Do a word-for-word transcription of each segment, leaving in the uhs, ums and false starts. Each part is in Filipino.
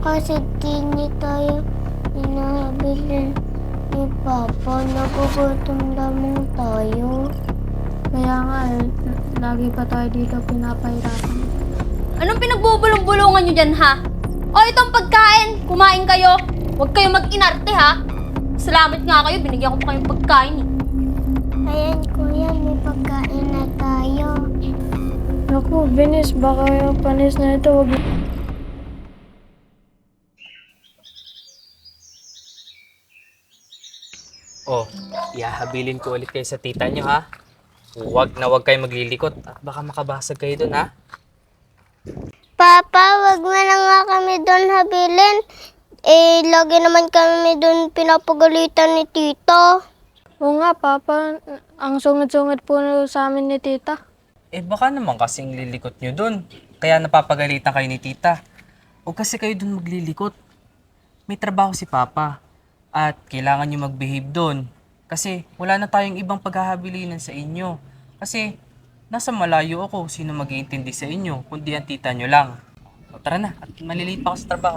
kasi di niya tayo inahabili ni Papa. Nagugutom lamang tayo. Kaya nga, eh, lagi pa tayo dito pinapahirapan. Anong pinagbubulong-bulungan nyo dyan, ha? O, itong pagkain, kumain kayo. Huwag kayo mag-inarte, ha? Salamat nga kayo, binigyan ko pa kayong pagkain, eh. Ayan, kuya, may pagkain na tayo. Naku, Binis, baka yung panis na ito, wag... Oh, ihahabilin ko ulit kayo sa tita nyo, ha? Huwag na huwag kayo maglilikot at baka makabasag kayo dun, ha? Papa, wag mo na nga kami doon habilin. Eh, lagi naman kami doon pinapagalitan ni Tito. Oo nga, Papa, ang sungit-sungit po sa amin ni Tita. Eh baka naman kasing lilikot nyo dun. Kaya napapagalitan kayo ni tita. Huwag kasi kayo dun maglilikot. May trabaho si Papa. At kailangan nyo mag-behave dun. Kasi wala na tayong ibang paghahabilinan sa inyo. Kasi nasa malayo ako. Sino mag-iintindi sa inyo? Kundi ang tita nyo lang. O, tara na. At maliliit pa ako sa trabaho.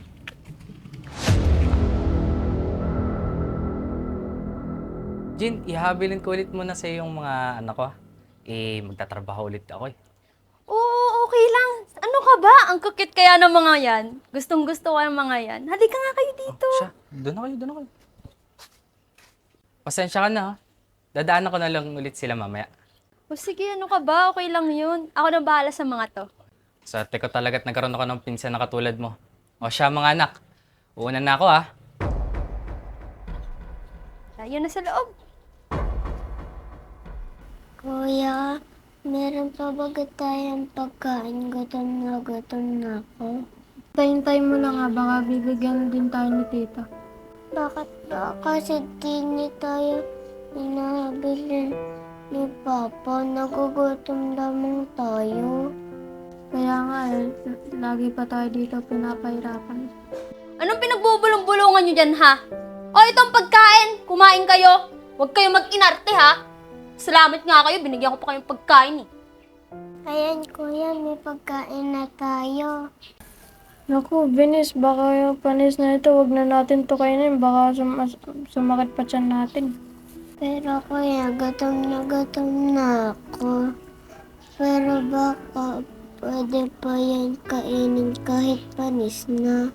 Jin, ihabilin ko ulit muna sa yung mga anak ko. ah. Eh, magtatrabaho ulit ako eh. Oo, okay lang. Ano ka ba? Ang kukit kaya ng mga yan. Gustong gusto ko ng mga yan. Halika nga kayo dito. Siya, doon na kayo, doon na kayo. Pasensya ka na ha. Dadaanan ko na lang ulit sila mamaya. O sige, ano ka ba? Okay lang yun. Ako na bahala sa mga to. Swerte ko talaga at nagkaroon ako ng pinsan na katulad mo. O siya mga anak, uuna na ako ha. Tayo na sa loob. Kuya, meron pa ba tayong pagkain? Gutom na gutom na ako. Tayin-tay mo na nga, baka bibigyan din tayo ni Tita. Bakit ba? Kasi di niya tayo inahabili ni Papa. Nagugutom lamang tayo. Kaya nga, eh, lagi pa tayo dito pinapahirapan. Anong pinagbubulong-bulungan nyo dyan, ha? O, itong pagkain, kumain kayo. Huwag kayo mag-inarte, ha? Salamat nga kayo, binigyan ko pa kayong pagkain, eh. Ayan, kuya, may pagkain na tayo. Naku, Binis, baka yung panis na ito, wag na natin to kainin. Baka sum- sumakit pa tiyan natin. Pero kuya, gutom na gutom na ako. Pero baka pwede pa yan kainin kahit panis na.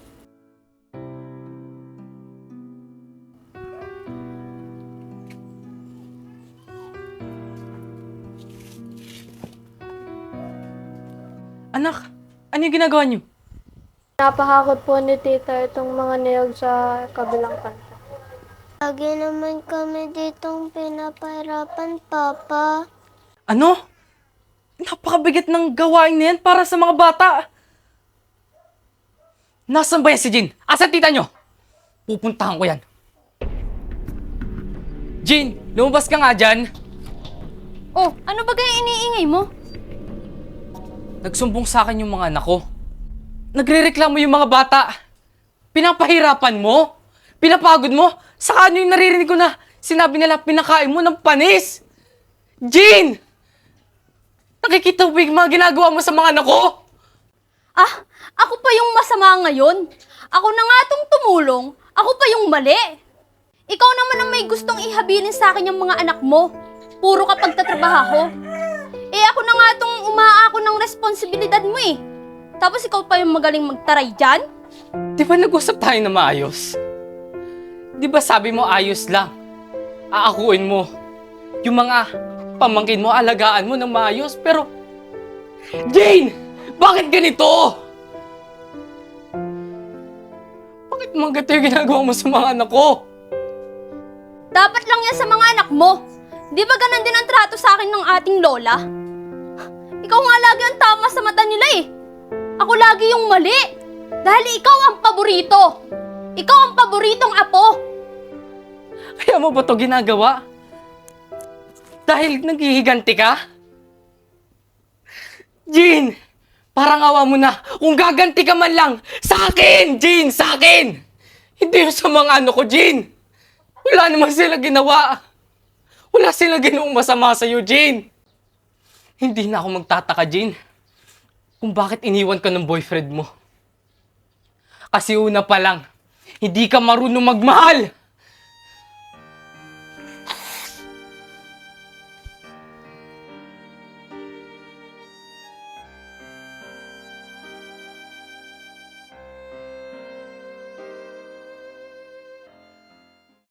Anak, ano yung ginagawa niyo? Napahakot po ni Tita itong mga niyog sa kabilang kanta. Lagi naman kami ditong pinapahirapan, Papa. Ano? Napakabigat ng gawain na yan para sa mga bata. Nasaan ba yan si Jin? Asan tita nyo? Pupuntahan ko yan. Jin, lumabas ka nga dyan. Oh, ano ba kaya iniingay mo? Nagsumbong sa akin yung mga anak ko. Nagrereklamo yung mga bata. Pinapahirapan mo? Pinapagod mo? Saka ano yung naririnig ko na sinabi nila pinakain mo ng panis? Jean! Nakikita mo ba yung mga ginagawa mo sa mga anak ko? Ah, ako pa yung masama ngayon. Ako na nga tong tumulong. Ako pa yung mali. Ikaw naman ang may gustong ihabilin sa akin yung mga anak mo. Puro ka pagtatrabaho. Eh ako na nga tong umaako ng responsibilidad mo eh. Tapos ikaw pa yung magaling magtaray dyan? Di ba nag-usap tayo na maayos? Di ba sabi mo ayos lang? Aakuin mo. Yung mga pamangkin mo, alagaan mo ng maayos. Pero, Jane! Bakit ganito? Bakit mga ganito yung ginagawa mo sa mga anak ko? Dapat lang yan sa mga anak mo. Di ba ganun din ang trato sa akin ng ating lola? Ikaw nga lagi ang tama sa mata nila eh. Ako lagi yung mali. Dahil ikaw ang paborito. Ikaw ang paboritong apo. Kaya mo ba ito ginagawa? Dahil naghihiganti ka? Jean! Parang awa mo na kung gaganti ka man lang sa akin! Jean! Sa akin! Hindi yung sa mga ano ko, Jean! Wala naman sila ginawa. Wala sila ginawang masama sa'yo, Jean. Hindi na ako magtataka, Jean, kung bakit iniwan ka ng boyfriend mo. Kasi una pa lang, hindi ka marunong magmahal.